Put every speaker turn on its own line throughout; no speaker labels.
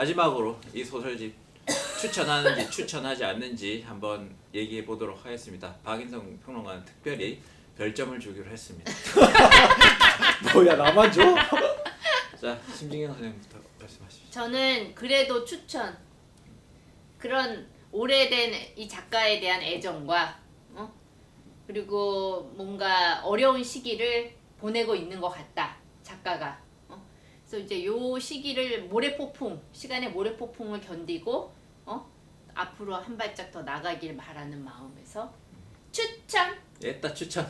마지막으로 이 소설집 추천하는지 추천하지 않는지 한번 얘기해 보도록 하겠습니다. 박인성 평론가는 특별히 별점을 주기로 했습니다.
뭐야 나만 줘?
자, 심진경 선생님부터 말씀하십시오.
저는 그래도 추천. 그런 오래된 이 작가에 대한 애정과 그리고 뭔가 어려운 시기를 보내고 있는 것 같다. 작가가. 그래서 이제 요 시기를 시간의 모래폭풍을 견디고 앞으로 한 발짝 더 나가길 바라는 마음에서 추천.
예따 추천.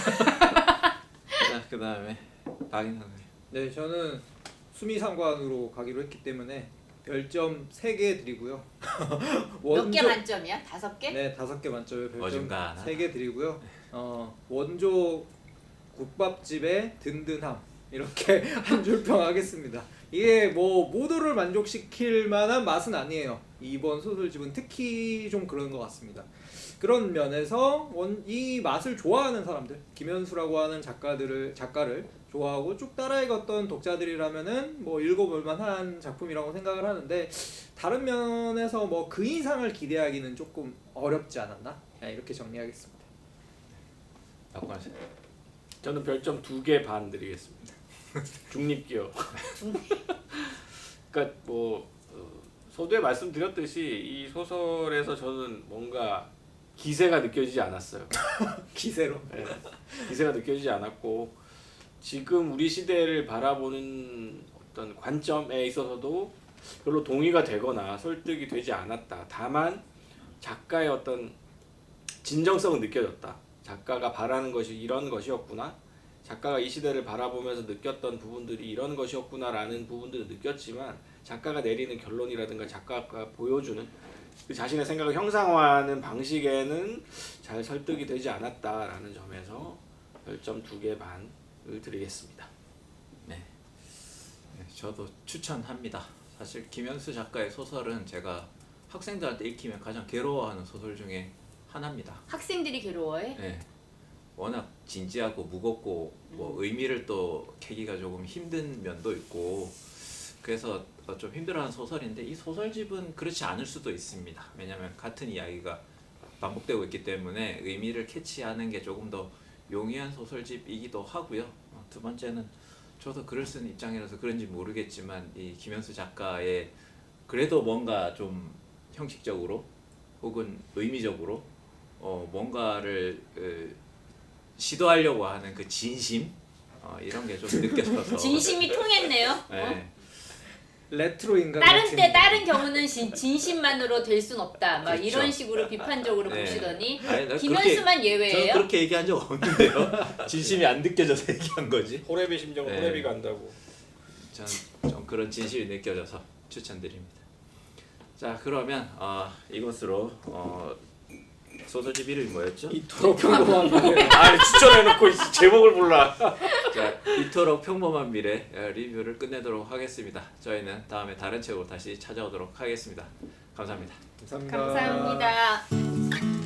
자, 그다음에 박인성 선생님.
네, 저는 수미상관으로 가기로 했기 때문에 별점 3개 드리고요.
몇 개 만점이야? 5개?
네, 5개 만점에 별점
어중간하다.
3개 드리고요. 원조 국밥집의 든든함 이렇게 한 줄 평하겠습니다. 이게 뭐 모두를 만족시킬 만한 맛은 아니에요. 이번 소설집은 특히 좀 그런 것 같습니다. 그런 면에서 이 맛을 좋아하는 사람들, 김현수라고 하는 작가를 좋아하고 쭉 따라 읽었던 독자들이라면은 뭐 읽어볼 만한 작품이라고 생각을 하는데, 다른 면에서 뭐 그 이상을 기대하기는 조금 어렵지 않았나? 이렇게 정리하겠습니다.
박관세.
저는 별점 2개 반 드리겠습니다. 중립기업. 그러니까 뭐 서두에 말씀드렸듯이 이 소설에서 저는 뭔가 기세가 느껴지지 않았어요.
기세로.
네, 기세가 느껴지지 않았고, 지금 우리 시대를 바라보는 어떤 관점에 있어서도 별로 동의가 되거나 설득이 되지 않았다. 다만 작가의 어떤 진정성은 느껴졌다. 작가가 바라는 것이 이런 것이었구나. 작가가 이 시대를 바라보면서 느꼈던 부분들이 이런 것이었구나라는 부분들을 느꼈지만, 작가가 내리는 결론이라든가 작가가 보여주는 그 자신의 생각을 형상화하는 방식에는 잘 설득이 되지 않았다라는 점에서 별점 2개 반을 드리겠습니다.
네, 저도 추천합니다. 사실 김현수 작가의 소설은 제가 학생들한테 읽히면 가장 괴로워하는 소설 중에 하나입니다.
학생들이 괴로워해?
네, 워낙 진지하고 무겁고 뭐 의미를 또 캐기가 조금 힘든 면도 있고, 그래서 좀 힘들어하는 소설인데, 이 소설집은 그렇지 않을 수도 있습니다. 왜냐하면 같은 이야기가 반복되고 있기 때문에 의미를 캐치하는 게 조금 더 용이한 소설집이기도 하고요. 두 번째는 저도 글을 쓰는 입장이라서 그런지 모르겠지만, 이 김현수 작가의 그래도 뭔가 좀 형식적으로 혹은 의미적으로 뭔가를 시도하려고 하는 그 진심, 이런 게 좀 느껴져서
진심이 통했네요.
네.
레트로 인간 같은.
다른 경우는 진심만으로 될 순 없다. 막
그렇죠.
이런 식으로 비판적으로
네.
보시더니
아니, 나
김현수만 예외예요.
저는 그렇게 얘기한 적 없는데요. 진심이 안 느껴져서 얘기한 거지.
호랩의 심정은
네.
호랩이 간다고.
전 좀 그런 진심이 느껴져서 추천드립니다. 자, 그러면 이것으로 소설집 이름이 뭐였죠?
이토록 평범한 미래.
아니 추천해놓고 제목을 몰라.
자, 이토록 평범한 미래 리뷰를 끝내도록 하겠습니다. 저희는 다음에 다른 책으로 다시 찾아오도록 하겠습니다. 감사합니다.
감사합니다.
감사합니다.